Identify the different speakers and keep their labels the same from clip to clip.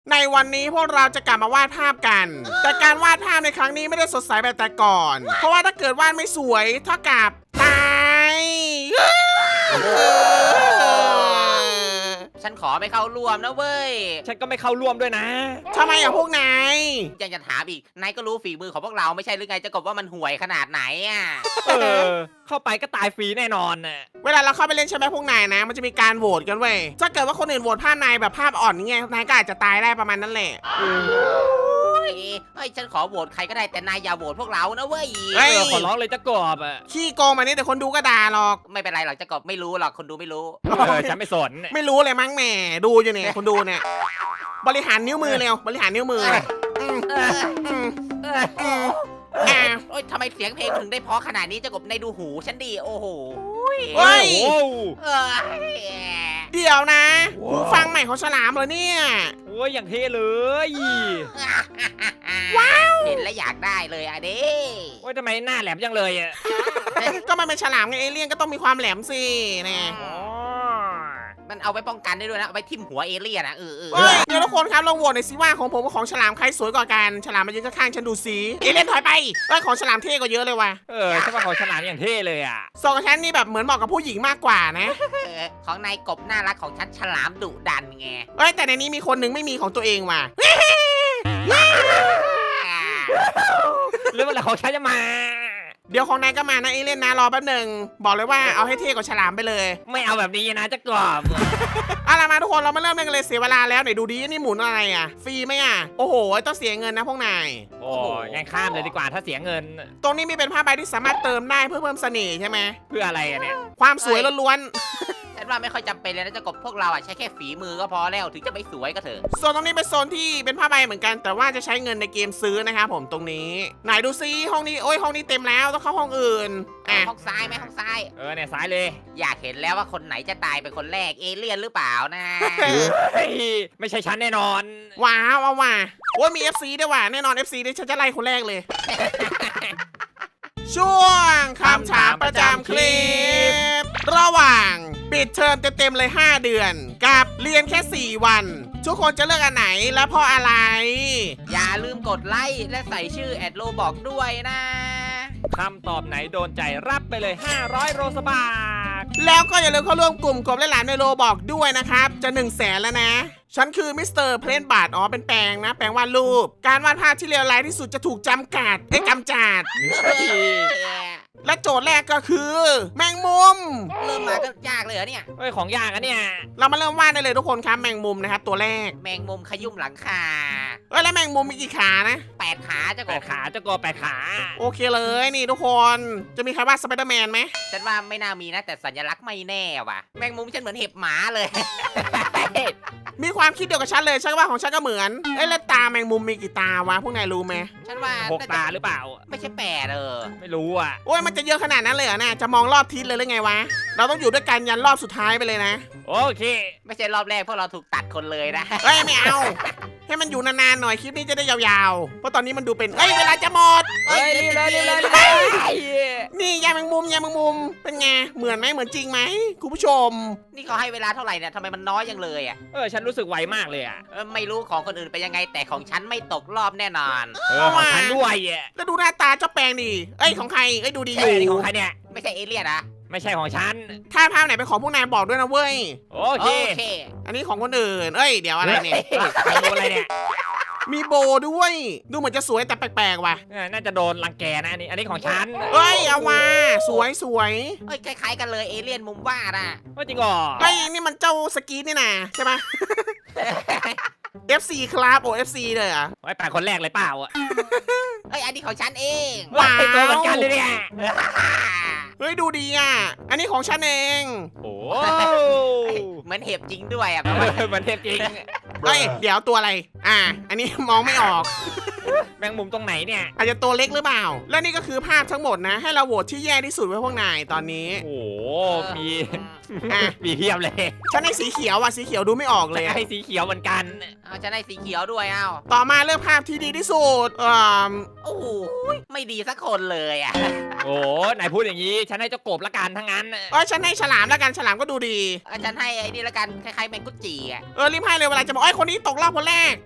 Speaker 1: ในวันนี้พวกเราจะกลับมาวาดภาพกัน แต่การวาดภาพในครั้งนี้ไม่ได้สดใสแบบแต่ก่อน เพราะว่าถ้าเกิดวาดไม่สวยเท่ากับตาย
Speaker 2: ฉันขอไม่เข้าร่วมนะเว้ย
Speaker 3: ฉันก็ไม่เข้าร่วมด้วยนะ
Speaker 1: ทำไมอ่ะพวกนาย
Speaker 2: ยังจะถามอีก นายก็รู้ฝีมือของพวกเราไม่ใช่หรือไงจะกบว่ามันห่วยขนาดไหนอ่ะ
Speaker 3: เข้าไปก็ตายฟรีแน่นอนน่ะ
Speaker 1: เวลาเราเข้าไปเล่นใช่ไหมพวกนายนะ มันจะมีการโหวตกันเว้ยถ้าเกิดว่าคนอื่นโหวตภาพนายแบบภาพอ่อนนี่ไงนายก็อาจจะตายได้ประมาณนั้นแหละ
Speaker 2: เฮ้ยฉันขอโหวตใครก็ได้แต่นายอย่าโหวตพวกเรานะเว้ย
Speaker 3: ขอร้องเลยจะกอบอ่ะ
Speaker 1: ขี้โกงมานี่แต่คนดูก็ด่าหรอก
Speaker 2: ไม่เป็นไรหรอกจะกบไม่รู้หรอกคนดูไม่รู้
Speaker 3: ฉันไม่สน
Speaker 1: ไม่รู้เลยมั้งแหมดูอยู่เนี่ยคนดูเนี่ยบริหารนิ้วมือเร็วบริหารนิ้วมืออืมอืมอ่ะ
Speaker 2: โอ๊ยทำไมเสียงเพลงมันถึงได้เพราะขนาดนี้จะกบในดูหูฉันดีโอ้โห
Speaker 1: เฮ้ย
Speaker 3: โอ้
Speaker 2: เอ้ย
Speaker 1: เดี๋ยวนะหูฟังใหม่ของฉลามเหรอเนี่ย
Speaker 3: โหอย่างเท่เลย
Speaker 2: ว้าวเห็นแล้วอยากได้เลยอ่ะดิ
Speaker 3: โอ้ยทำไมหน้าแหลมจังเลยอ่ะ
Speaker 1: ก็มันเป็นฉลามไงเอเลี่ยนก็ต้องมีความแหลมสินะ
Speaker 3: อ๋อ
Speaker 2: มันเอาไว้ป้องกันได้ด้วยนะเอาไว้ทิ่มหัวเอเลี่ยนนะเออ
Speaker 1: เฮ้ยเดี๋ยวทุกคนครับลองโหวตหน่อยสิว่าของผมกับของฉลามใครสวยกว่ากันฉลามมายืนข้างๆฉันดูสิเอเลี่ยนถอยไปเอ้ยของฉลามเท่กว่าเยอะเลยว่ะ
Speaker 3: ฉันว่าเขาฉลาดอย่างเท่เลยอ่ะ
Speaker 1: สองกับฉันนี่แบบเหมือนเหมาะกับผู้หญิงมากกว่านะ
Speaker 2: ของนายกบน่ารักของฉันฉลามดุดันไง
Speaker 1: เอ้ยแต่ในนี้มีคนหนึงไม่มีของตัวเองว่ะ
Speaker 3: เรื่องอะไรของฉันจะมา
Speaker 1: เดี๋ยวของนายก็มานะเอเลี่ยนนะรอแป๊บหนึงบอกเลยว่าเอาให้เท่กว่าฉลามไปเลย
Speaker 3: ไม่เอาแบบนี้นะจะกรอบ
Speaker 1: เอาล่ะมาทุกคนเรามาเริ่มเล่นกันเลยเสียเวลาแล้วไหนดูดินี่หมุนอะไรอ่ะฟรีไหมอ่ะโอ้โหต้องเสียเงินนะพวกนาย
Speaker 3: โอ้งั้นข้ามเลยดีกว่าถ้าเสียเงิน
Speaker 1: ตรงนี้มีเป็นผ้าใบที่สามารถเติมได้เพื่อเพิ่มเสน่ห์ใช่ไหม
Speaker 3: เพื่ออะไรอะเนี่ย
Speaker 1: ความสวยล้วน
Speaker 2: ฉันว่าไม่ค่อยจำเป็นเลยนะจะกบพวกเราอ่ะใช้แค่ฝีมือก็พอแล้วถึงจะไม่สวยก็เถอะ
Speaker 1: ๆส่วนตรงนี้เป็นโซนที่เป็นผ้าใบเหมือนกัน แต่ว่าจะใช้เงินในเกมซื้อนะครับผมตรงนี้ไหนดูซิห้องนี้โอ้ยห้องนี้เต็มแล้วต้องเข้าห้องอื่นอ่ะ
Speaker 2: ห้องซ้ายไหมห้องซ้าย
Speaker 3: เนี่ยซ้ายเลย
Speaker 2: อยากเห็นแล้วว่าคนไหนจะตายเป็นคนแรกเอเลี่ยนหรือเปล่านะ
Speaker 3: เฮ้ยไม่ใช่ฉันแน่นอน
Speaker 1: ว้าวเอาว่ะโอ้ยมี FC ด้วยว่ะแน่นอน FC นี่ฉันจะไล่คนแรกเลย ช่วงคำถามประจำคลิป ระหว่างปิดเทอมเต็มๆเลย 5 เดือน กับเรียนแค่ 4 วัน ทุกคนจะเลือกอันไหนและเพราะอะไร
Speaker 2: อย่าลืมกดไลค์และใส่ชื่อแอดโลบอกด้วยนะ
Speaker 3: คำตอบไหนโดนใจรับไปเลย 500 โรสบาท
Speaker 1: แล้วก็อย่าลืมเข้าร่วมกลุ่มกบและหลานในโลบอกด้วยนะครับ จะ 100,000 แล้วนะ ฉันคือมิสเตอร์เพลนบาร์ดอ๋อเป็นแปลงนะ แปลงวาดรูป การวาดภาพที่เลวร้ายที่สุดจะถูกจำกัดกำจัด และโจทย์แรกก็คือ แมงมุม
Speaker 2: เริ่มมาก็ยากเลยเหรอเนี่ย
Speaker 3: เฮ้ยของยากอะเนี่ย
Speaker 1: เรามาเริ่มวาดได้เลยทุกคนครับแมงมุมนะครับตัวแรก
Speaker 2: แมงมุมขยุ่มหลังคา
Speaker 1: แล้วแมงมุมมีกี่ขานะ
Speaker 2: 8 ขาจะก
Speaker 3: แป
Speaker 2: บ
Speaker 3: ดขาเจ้ากบแปดขา
Speaker 1: โอเคเลยนี่ทุกคนจะมีใครวาดสไปเดอร์แมนไหม
Speaker 2: ฉันว่าไม่น่ามีนะแต่สัญลักษณ์ไม่แน่ว่ะ แมงมุมฉันเหมือนเห็บหมาเลย
Speaker 1: มีความคิดเดียวกับฉันเลยฉันว่าของฉันก็เหมือนแล้วตาแมงมุมมีกี่ตาวะพวกนายรู้ไหม
Speaker 2: ฉันว่า
Speaker 3: 6 ตาหรือเปล่า
Speaker 2: ไม่ใช่8
Speaker 3: ไม่รู้อ่ะ
Speaker 1: โอ้ยมันจะเยอะขนาดนั้นเลยเหรอนะจะมองรอบทิศเลยหรือไงวะเราต้องอยู่ด้วยกันยันรอบสุดท้ายไปเลยนะ
Speaker 3: โอเค
Speaker 2: ไม่ใช่รอบแรกพวกเราถูกตัดคนเลยนะ
Speaker 1: เอ้ยไม่เอาให้มันอยู่นานๆหน่อยคลิปนี้จะได้ยาวๆเพราะตอนนี้มันดูเป็นเวลาจะหมด
Speaker 3: เฮ้ยรีบเลยรีบเลยรีบเลย
Speaker 1: นี่ยายแมงมุมเป็นไงเหมือนไหมเหมือนจริงไหมคุณผู้ชม
Speaker 2: นี่เขาให้เวลาเท่าไหร่เนี่ยทำไมมันน้อยยังเลยอ่ะ
Speaker 3: ฉันรู้สึกไวมากเลยอ่ะ
Speaker 2: ไม่รู้ของคนอื่นเป็นยังไงแต่ของฉันไม่ตกรอบแน่นอน
Speaker 3: ของฉันด้วยอ่ะ
Speaker 1: แล้วดูหน้าตาเจ้าแปลงดิของใครดูดีอ
Speaker 3: เฮ้
Speaker 1: ยู่
Speaker 3: ยนี่ของใครเนี่ย
Speaker 2: ไม่ใช่เอเลี่ยนนะ
Speaker 3: ไม่ใช่ของฉัน
Speaker 1: ถ้าภาพไหนเป็นของพวกนายบอกด้วยนะเว้ย
Speaker 3: โอเค
Speaker 1: อันนี้ของคนอื่นเดี๋ยวอะไรเนี่ย
Speaker 3: ใครรู้อะไรเนี่ย
Speaker 1: มีโบด้วย ดูเหมือนจะสวยแต่แปลกๆว่ะ
Speaker 3: น่าจะโดนรังแกนะอันนี้ของฉัน
Speaker 1: เอามาสวย
Speaker 2: คล้ายๆกันเลยเอเลี่ยนมุมวาดอ่ะ
Speaker 3: ว่าจริงเหรอ
Speaker 1: นี่มันเจ้าสกีนี่นะใช่ไหม FC ครับFC เลยเหรอ่ะ
Speaker 3: ไว้แปดคนแรกเลยเปล่าอ่ะ
Speaker 2: อันนี้ของฉันเอง
Speaker 1: ว้าว
Speaker 3: ตัวเหมือนกันเลยเนี่ย
Speaker 1: ดูดีอ่ะ อันนี้ของฉันเอง
Speaker 3: โอ้
Speaker 2: เหมือนเห็บจริงด้วยอ่ะ
Speaker 3: เหมือนเทพจริง
Speaker 1: เดี๋ยวตัวอะไร อันนี้มองไม่ออก
Speaker 3: แมงมุมตรงไหนเนี่ย
Speaker 1: อาจจะตัวเล็กหรือเปล่า และนี่ก็คือภาพทั้งหมดนะ ให้เราโหวตที่แย่ที่สุดไว้พวกนายตอนนี้
Speaker 3: โอ้มี
Speaker 1: อ่ะ
Speaker 3: มีเพียบเลย
Speaker 1: ฉันให้สีเขียวอ่ะสีเขียวดูไม่ออกเลยอะ
Speaker 3: ให้สีเขียวเหมือนกัน
Speaker 2: เอาฉันได้สีเขียวด้วยเอา
Speaker 1: ต่อมาเลือกภาพที่ดีที่สุด
Speaker 2: โอ้โหไม่ดีสักคนเลยอ่ะ
Speaker 3: โอ้นายพูดอย่างนี้ ฉันให้เจ้ากบละกันทั้งนั้น
Speaker 1: ฉันให้ฉลามแล้วกันฉลามก็ดูดี
Speaker 2: ฉันให้ไอ้นี่ละกันคล้ายๆแมงกุจิอ่ะ
Speaker 1: รีบให้เลยเวลาจะบอกคนนี้ตกรอบคนแรก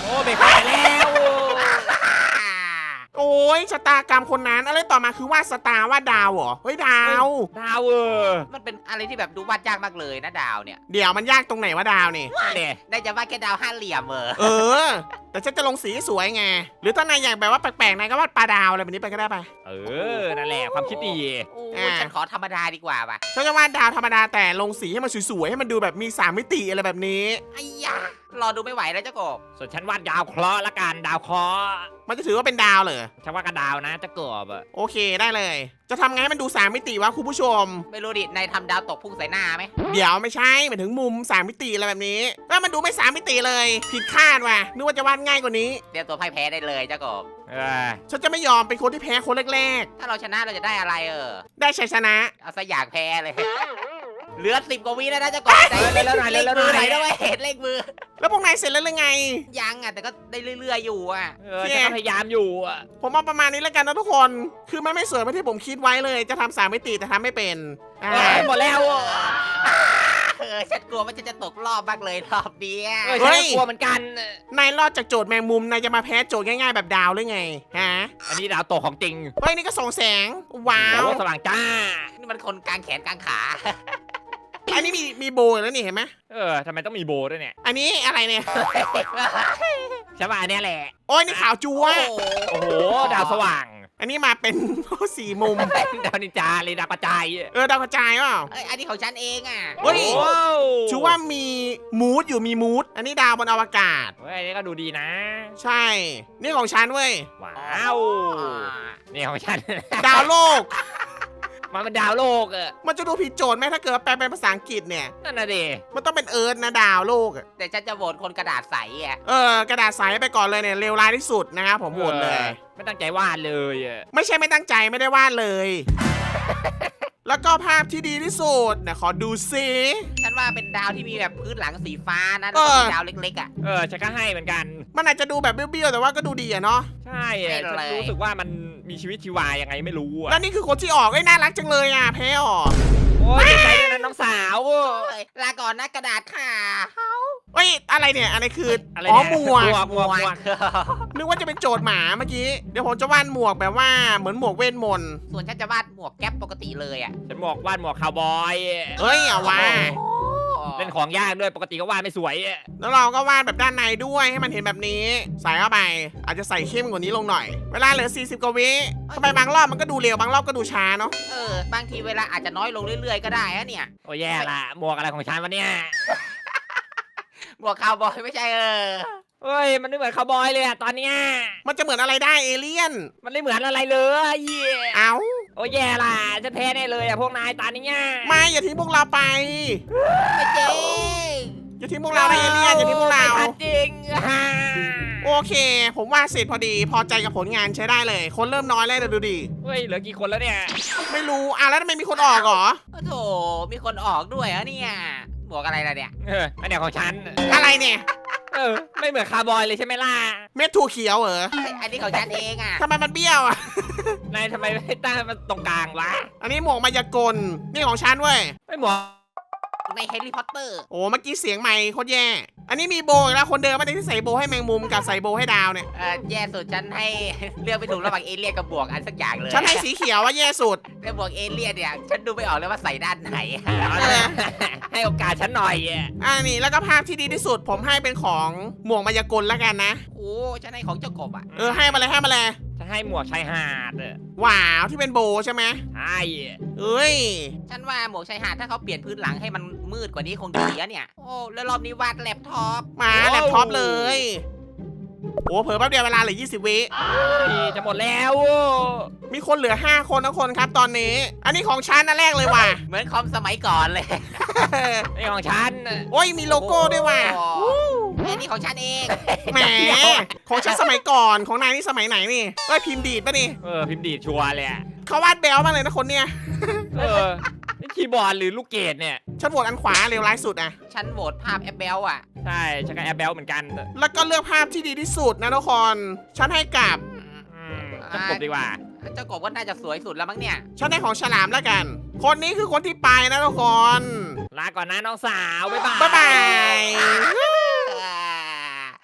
Speaker 3: โอ้เบรกไปแล้ว
Speaker 1: โอ้ยชะตากรรมคนนั้นอะไรต่อมาคือวาดสตาร์วาดดาวเหรอเฮ้ยดาว
Speaker 3: ดาว
Speaker 2: มันเป็นอะไรที่แบบดูวาดยากมากเลยนะดาวเนี่ย
Speaker 1: เดี๋ยวมันยากตรงไหนวะดาวนี่
Speaker 3: เนี่ย
Speaker 2: ได้จะวาดแค่ดาวห้าเหลี่ยม
Speaker 1: เออ แต่ฉันจะลงสีสวยไงหรือถ้านายอยากแบบว่าแปลกๆนายก็วาดปลาดาวอะไรแบบนี้ไปก็ได้ไป
Speaker 3: นั่นแหละความคิดดี
Speaker 2: โอ้ยฉันขอธรรมดาดีกว่าป่ะ
Speaker 1: ฉันจะวาดดาวธรรมดาแต่ลงสีให้มันสวยๆให้มันดูแบบมี3มิติอะไรแบบนี้
Speaker 2: ไอ้ยารอดูไม่ไหวแล้วเจ้ากบ
Speaker 3: ส่วนฉันวาดดาวเคราะห์ละกันดาวเคราะห์
Speaker 1: มันจะถือว่าเป็นดาวเหรอ
Speaker 3: ฉันวาดกระดาวนะจะกบอะ
Speaker 1: โอเคได้เลย จะทำไงให้มันดู3มิติวะคุณผู้ชม
Speaker 2: ไม่รู้ดินายทำดาวตกพุ่งใส่หน้าไหม
Speaker 1: เดี๋ยวไม่ใช่หมายถึงมุม3มิติอะไรแบบนี้แล้วมันดูไม่3มิติเลย ผิดคาดว่ะนึกว่าจะวาดง่ายกว่านี้
Speaker 2: เตรียมตัวพ่ายแพ้ได้เลยเจ้ากบ
Speaker 1: ฉันจะไม่ยอมเป็นคนที่แพ้คนแรก
Speaker 2: ถ้าเราชนะเราจะได้อะไร
Speaker 1: ๆ ได้ชัยชนะ
Speaker 2: เอาซะอยากแพ้เลย เหลือ10 กว่าวิแล้วนะเจ้ากบใจ
Speaker 3: เล่นแล้วหน่อย
Speaker 2: เล
Speaker 3: เล่น
Speaker 2: ข
Speaker 3: แล้ว
Speaker 2: มือ
Speaker 3: ห
Speaker 2: ไหน
Speaker 3: น่อย
Speaker 2: ด้วยเห็นเลขมือ
Speaker 1: แล้วพวกนายเสร็จแล้วหรือไง
Speaker 2: ยังแต่ก็ได้เรื่อยๆอยู่อ่ะ
Speaker 3: ฉันก็พยายามอยู่อะ
Speaker 1: ผมเอาประมาณนี้แล้วกันนะทุกคน คือมันไม่สวยเหมือนที่ผมคิดไว้เลย จะทำ3มิติแต่ทำไม่เป็น
Speaker 3: หมดแล้วอะ
Speaker 2: ฉันกลัวว่าฉันจะตกรอบมากเลยรอบเนี้ย
Speaker 3: ฉันก็กลัวเหมือนกัน
Speaker 1: นายรอดจากโจทย์แมงมุมนายจะมาแพ้โจทย์ง่ายๆแบบดาวหรือไงฮะ
Speaker 3: อันนี้ดาวตกของจริง
Speaker 1: เฮ้ยนี่ก็ส่องแสงว้า
Speaker 3: ดาว
Speaker 1: ว
Speaker 3: สว่างจ้า
Speaker 2: นี่มันคนกลางแขนกลางขา
Speaker 1: อันนี้มีโบยแล้วนี่เห็นไหม
Speaker 3: ทำไมต้องมีโบด้วยเนี่ย
Speaker 1: อันนี้อะไรเนี่ย
Speaker 3: ฉันว่าอันเนี้ยแหละ
Speaker 1: โอ้ยนี่ขาวจัว
Speaker 3: โอ้โหดาวสว่าง
Speaker 1: อันนี้มาเป็น สี่มุม
Speaker 3: ดาวนินจาเลยดาวกระจาย
Speaker 1: ดาวกระจายเปล่า
Speaker 2: อันนี้ของฉันเองอ่ะ
Speaker 1: เฮ้ย
Speaker 3: โอ้
Speaker 1: ชื่อว่ามีมูดอยู่มีมูดอันนี้ดาวบนอวกาศ
Speaker 3: เฮ้ยอันนี้ก็ดูดีนะ
Speaker 1: ใช่ นี่ของฉันเว้ย
Speaker 3: ว้าวนี่ของฉัน
Speaker 1: ดาวโลก
Speaker 3: มันเป็นดาวโลกอะ
Speaker 1: มันจะดูผิดโจทย์ไหมถ้าเกิดว่าแปลเป็นภาษาอังกฤษเนี่ย
Speaker 3: นั่นน่ะดิ
Speaker 1: มันต้องเป็นเอิร์ธนะดาวโลกอะ
Speaker 2: แต่ฉันจะโหวตคนกระดาษใสอ่ะ
Speaker 1: กระดาษใสไปก่อนเลยเนี่ยเลวร้ายที่สุดนะครับผมโหวตเลย
Speaker 3: ไม่ตั้งใจวาดเลยอะ
Speaker 1: ไม่ใช่ไม่ตั้งใจไม่ได้วาดเลย แล้วก็ภาพที่ดีที่สุดเนี่ยขอดูซิ
Speaker 2: ฉันว่าเป็นดาวที่มีแบบพื้นหลังสีฟ้านะแล้วก็มีดาวเล็กๆอ่ะ
Speaker 3: ฉันก็ให้เหมือนกัน
Speaker 1: มันอาจจะดูแบบเบี้ยวๆแต่ว่าก็ดูดีอะเนาะ
Speaker 3: ใช่อะฉันรู้สึกว่ามันมีชีวิตชีวายังไงไม่รู้อะ
Speaker 1: แล้วนี่คือคนที่ออกน่ารักจังเลยอะแพ้ออก
Speaker 3: โอ้ยดีใจด้วยนะน้องสาว
Speaker 2: ลาก่อนนะกระดาษค่ะ
Speaker 1: เอ้ยอะไรเนี่ยอะไรคือ
Speaker 3: อะไร
Speaker 1: อ๋อ
Speaker 3: เนี่ย
Speaker 1: หมวก
Speaker 3: หมวก
Speaker 1: นึกว่าจะเป็นโจทย์หมาเมื่อกี้เดี๋ยวผมจะวาดหมวกแบบว่าเหมือนหมวกเวทมนต์
Speaker 2: ส่วนฉันจะวาดหมวกแก๊ปปกติเลยอ่ะ
Speaker 3: ฉันวาดหมวกคาวบอย
Speaker 1: เฮ้ยเอาว่า
Speaker 3: เล่นของยากด้วยปกติก็วาดไม่สวยอะ
Speaker 1: แล้วเราก็วาดแบบด้านในด้วยให้มันเห็นแบบนี้ ใส่เข้าไป อาจจะใส่เข้มกว่านี้ลงหน่อย เวลาเหลือ40กว่าวิทำไมบางรอบมันก็ดูเร็วบางรอบก็ดูช้าเนาะ
Speaker 2: บางทีเวลาอาจจะน้อยลงเรื่อยๆก็ได้อะเนี่ย
Speaker 3: โอ้แย่ละหมวกอะไรของฉันวะเนี่ย
Speaker 2: หมวกคาวบอยไม่ใช่
Speaker 3: เฮ้ยมันไม่เหมือนคาวบอยเลยอะตอนเนี้ย
Speaker 1: มันจะเหมือนอะไรได้เอเลี่ยน
Speaker 3: มันไม่เหมือนอะไรเลย
Speaker 1: เอ้า
Speaker 3: โอ้แย่ละฉันแพ้แน่เลยอะพวกนายตอนนี้
Speaker 1: ไม่อย่าทิ้งพวกเราไป
Speaker 2: ไม่จริง
Speaker 1: อย่าทิ้งพวกเรานะเอเลี่ยนอย่าทิ้งพวกเรา
Speaker 3: ไม่ทันจริงฮะ
Speaker 1: โอเค ผมว่าเสร็จพอดีพอใจกับผลงานใช้ได้เลย คนเริ่มน้อยแล้วเดี๋ยวดูดิ
Speaker 3: เฮ้ยเหลือกี่คนแล้วเนี่ย
Speaker 1: ไม่รู้แล้วทำไมมีคนออกเหรอ
Speaker 2: โอ้โถมีคนออกด้วยอะเนี่ยหมวกอะไรล่ะเนี่ย
Speaker 3: อันเนี้ยของฉัน
Speaker 1: อะไรเนี่ย
Speaker 3: ไม่เหมือนคาร์บอยเลยใช่ไหมล่ะ
Speaker 1: เม็ดถั่วเขียวเหรอ
Speaker 2: อันนี้ของฉันเองอ่ะ
Speaker 1: ทำไมมันเบี้ยวอ่ะ
Speaker 3: นายทำไมไม่ตั้งมันตรงกลางวะ
Speaker 1: อันนี้หมวกมายากลนี่ของฉันเว้ย
Speaker 3: ไม่หมวก
Speaker 2: ในแฮร์รี่พอตเตอร์
Speaker 1: โอ้เมื่อกี้เสียงใหม่โคตรแย่ อันนี้มีโบอีกแล้วคนเดิมไม่ได้ที่ใส่โบให้แมงมุมกับใส่โบให้ดาวเนี่ย
Speaker 2: แย่สุดฉันให้ เลือกไม่ถูกระหว่างเอเลี่ยนกับบวกอันสักอย่างเลย
Speaker 1: ฉันให้สีเขียวว่าแย่สุด
Speaker 2: แต่บวกเอเลี่ยนเนี่ยฉันดูไม่ออกเลยว่าใส่ด้านไหน
Speaker 3: ให้โอกาสฉันหน่อย
Speaker 1: นี่แล้วก็ภาพที่ดีที่สุด ผมให้เป็นของหมวกมายากลแล้วกันนะ
Speaker 2: โอ้ฉันให้ของเจ้ากบอ่ะ
Speaker 1: ให้มาเลยให้มาเลย
Speaker 3: จะให้หมวกชายหาด
Speaker 1: ว้าวที่เป็นโบใช่ไหม
Speaker 3: ใช่
Speaker 1: เอ้ย
Speaker 2: ฉันว่าหมวกชายหาดถ้าเขาเปลี่ยนพื้นหลังให้มันมืดกว่านี้คงดีอะเนี่ย โอ้แล้วรอบนี้วาดแล็ปท็อป
Speaker 1: มาแล็ปท็อปเลย โอ้เผลอแป๊บเดียวเวลาเหลือ20 วิ
Speaker 3: จะหมดแล้ว
Speaker 1: มีคนเหลือ5คนทุกคนครับตอนนี้ อันนี้ของฉันนะแรกเลยว่ะ
Speaker 2: เหมือนคอมสมัยก่อนเลย
Speaker 3: นี่ของฉัน
Speaker 1: โอ้ยมีโลโก้ด้วยว่ะ
Speaker 2: อันนี้ของฉันเอง
Speaker 1: แหมของฉันสมัยก่อนของนายนี่สมัยไหนนี่พิมพ์ดีดป่ะนี่
Speaker 3: พิมพ์ดีดชัวร์เลย
Speaker 1: เขาวาดแบลมากเลยนะคนเนี้ย
Speaker 3: นี่คีย์บอร์ดหรือลูกเกดเนี่ย
Speaker 1: ฉันโหวตอันขวาเลวร้ายสุดอะ
Speaker 2: ฉันโหวตภาพแอปเบลอ่ะ
Speaker 3: ใช่ฉันก็แอบเบลเหมือนกัน
Speaker 1: แล้วก็เลือกภาพที่ดีที่สุดนะทุกคน ฉันให้กับ
Speaker 3: จะกบดีกว่า
Speaker 2: เจ้ากบก็น่าจะสวยสุดแล้วมั้งเนี่ย
Speaker 1: ฉันให้ของฉลามแล้วกัน คนนี้คือคนที่ไปนะทุกคน
Speaker 3: ลาก่อนนะน้องสาว บ๊ายบาย
Speaker 1: บ๊ายบาย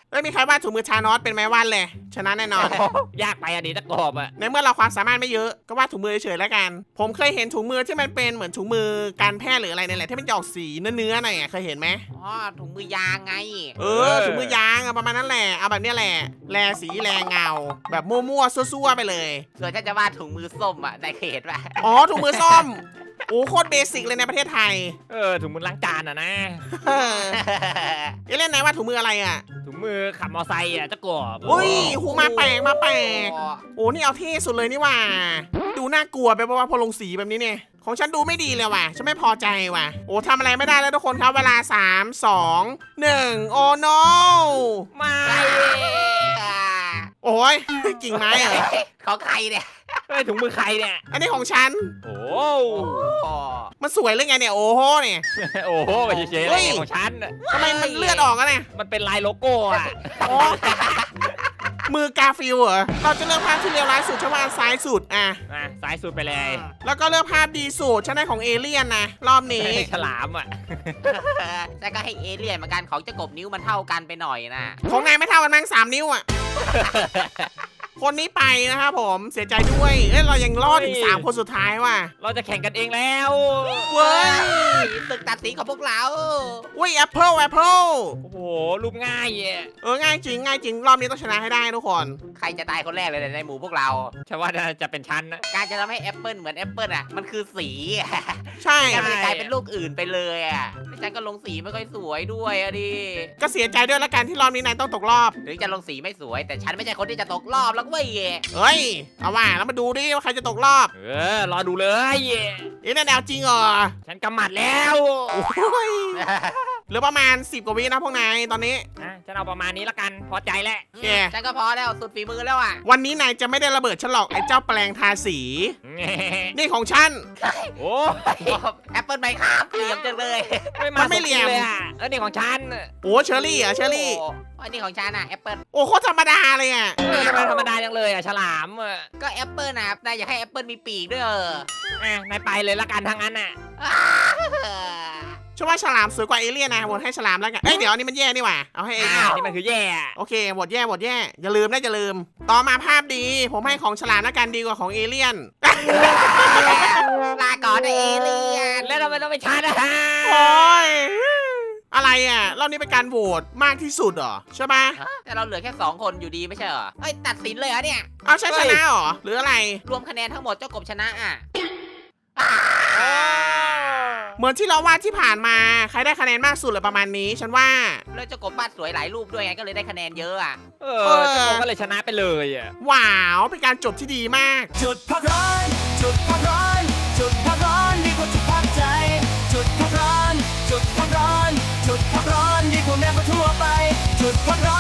Speaker 1: เอ้ยมีใครวาดถุงมือชานอสเป็นไหมวาดเลยชนะแน่นอน
Speaker 3: ยากไปอะดิตะกอบอะ
Speaker 1: ในเมื่อเราความสามารถไม่เยอะก็วาดถุงมือเฉยๆแล้วกัน ผมเคยเห็นถุงมือที่มันเป็นเหมือนถุงมือการแพทย์หรืออะไรเนี่ยแหละที่มันจะออกสีเนื้อๆหน่อยอะเคยเห็นไหม
Speaker 2: อ๋อถุงมือยางไง
Speaker 1: ถุงมือยางอะประมาณนั้นแหละเอาแบบเนี้ยแหละแลสีแลเงา แบบมั่วๆซั่วๆไปเลย
Speaker 2: ส่วนฉันจะวาดถุงมือส้มอ่ะนายเคยเห็นปะ
Speaker 1: อ๋อถุงมือส้มโอ้โคตรเบสิกเลยในประเทศไทย
Speaker 3: ถุงมือล้างจานอะนะ
Speaker 1: เออเล่นไหนว่าถุงมืออะไรอ่ะ
Speaker 3: ถุงมือขับมอไซค์อะตะกอบ
Speaker 1: อุ้ยหูมาแปลกมาแปลก
Speaker 2: อ๋อ
Speaker 1: โอ้นี่เอาเท่สุดเลยนี่ว่า ดูน่ากลัวไปเพราะว่าพอลงสีแบบนี้เนี่ยของฉันดูไม่ดีเลยว่ะฉันไม่พอใจว่ะโอ้ทำอะไรไม่ได้แล้วทุกคนครับเวลา 3 2 1 โอ้ no
Speaker 3: ไม่
Speaker 1: โอ้ยกิ่งไม้เหรอ
Speaker 2: ของใครเนี่ย
Speaker 3: ถุงมือใครเนี่ย
Speaker 1: อันนี้ของฉัน
Speaker 3: โอ้
Speaker 2: อ๋อ
Speaker 1: มันสวยหรือไงเนี่ยโอ้โหเนี่ย
Speaker 3: โอ้โหเฉยๆอะไรเนี่ยของฉันอะ
Speaker 1: ทำไมมันเลือดออกอะเนี่ย
Speaker 3: มันเป็นลายโลโก้อะ
Speaker 1: โอ้มือกาฟิลเหรอเราจะเลือกภาพที่เลวร้ายสุดฉันว่าอันซ้ายสุดอ่ะ
Speaker 3: ซ้ายสุดไปเลย
Speaker 1: แล้วก็เลือกภาพดีสุดฉันได้ของเอเลี่ยนนะรอบนี้
Speaker 3: ฉลามอะ
Speaker 2: แต่ก็ให้เอเลี่ยนเหมือนกันของเจ้ากบนิ้วมันเท่ากันไปหน่อยนะ
Speaker 1: ของนายไม่เท่ากันมั้ง3 นิ้วอ่ะ คนนี้ไปนะครับผมเสียใจด้วยเอ้ยเรายังรอดถึง3 คนสุดท้ายว่ะ
Speaker 3: เราจะแข่งกันเองแล้ว
Speaker 1: เว้ย
Speaker 2: ศึกตัดสินของพวกเรา
Speaker 1: อุ้ยแอปเปิล
Speaker 3: โอ้โหรูปง่ายอะ
Speaker 1: ง่ายจริงง่ายจริงรอบนี้ต้องชนะให้ได้ทุกคน
Speaker 2: ใครจะตายคนแรกเลยในหมู่พวกเรา
Speaker 3: ฉันว่าน่าจะเป็นฉันนะ
Speaker 2: การจะทำให้แอปเปิลเหมือนแอปเปิลอ่ะมันคือสีอะ
Speaker 1: ใช่
Speaker 2: แต่มันจะกลายเป็นลูกอื่นไปเลยอ่ะไม่ใช่ก็ลงสีไม่ค่อยสวยด้วยอะดิ
Speaker 1: ก็เสียใจด้วยละกันที่รอบนี้นายต้องตกรอบ
Speaker 2: ถึงจะลงสีไม่สวย แต่ฉันไม่ใช่คนที่จะตกรอบแล้วเว้ย
Speaker 1: เอ้ยเอาว่าแล้วมาดูดิว่าใครจะตกรอบ
Speaker 3: รอดูเลย
Speaker 1: เอ๊ะแนวจริงเหรอ
Speaker 3: ฉันกำหมัดแล้ว
Speaker 1: โอ้ยเหลือประมาณ10 กว่าวินะพวกนายตอนนี้
Speaker 3: ฉันเอาประมาณนี้ละกัน พอใจแล้ว
Speaker 1: โอเค
Speaker 2: ฉันก็พอแล้วสุดฝีมือแล้วอ่ะ
Speaker 1: วันนี้นายจะไม่ได้ระเบิดฉันหรอกไอ้เจ้าแปลงทาสี นี่ของฉัน
Speaker 3: โอ้
Speaker 2: แอปเปิลไหมครับเหลี่ยมจังเลย
Speaker 1: มันไม่เหลี่ยม
Speaker 3: เลยอ่ะนี่ของฉัน
Speaker 1: โอ้เชอรี่เหรอเชอรี่
Speaker 2: โอ้อันนี้ของฉันอ่ะแอปเปิล
Speaker 1: โอ้โคตรธรรมดาเลยอ่ะ
Speaker 3: ทำไมธรรมดาจังเลยอ่ะฉลามอ่ะ
Speaker 2: ก็แอปเปิลนะนายอยากให้แอปเปิลมีปีกด้วย
Speaker 3: นายไปเลยละกันทางนั้นอ่ะ
Speaker 1: ฉันว่าฉลามสวยกว่าเอเลี่ยนนะโหวตให้ฉลามแล้วกันเอ้ยเดี๋ยวอันนี้มันแย่นี่หว่าเอาให้เอเลี่ยน
Speaker 3: นี่มันคือแย่
Speaker 1: โอเคโหวตแย่โหวตแย่อย่าลืมนะอย่าลืม ต่อมาภาพดี ผมให้ของฉลามแล้วกันดีกว่าของเอเลี่ยน
Speaker 2: ลาก่อนนะเอเลียน
Speaker 3: แล้วทำไมต้องไปชันอ่ะ
Speaker 1: โอ้ยอะไรอ่ะรอบนี้เป็นการโหวตมากที่สุดเหรอใช่ปะ
Speaker 2: แต่เราเหลือแค่2 คนอยู่ดีไม่ใช่เหรอเฮ้ยตัดสินเลยเหรอเนี่ย
Speaker 1: เอาใช่ชนะเหรอหรืออะไร
Speaker 2: รวมคะแนนทั้งหมดเจ้ากบชนะอ่ะ
Speaker 1: เหมือนที่เราวาดที่ผ่านมาใครได้คะแนนมากสุดเลยประมาณนี้ฉันว่า
Speaker 2: แล้วเจ้ากบวาดสวยหลายรูปด้วยไงก็เลยได้คะแนนเยอะอ่ะ
Speaker 3: เจ้าโกก็เลยชนะไปเลยอ่ะ
Speaker 1: ว้าวเป็นการจบที่ดีมาก
Speaker 4: จุดพักร้อนจุดพักร้อนจุดพักร้อนดีกว่าจุดพักใจ จุดพักร้อนจุดพักร้อนจุดพักร้อนดีกว่าแม้ว่าทั่วไป จุดพักร้อน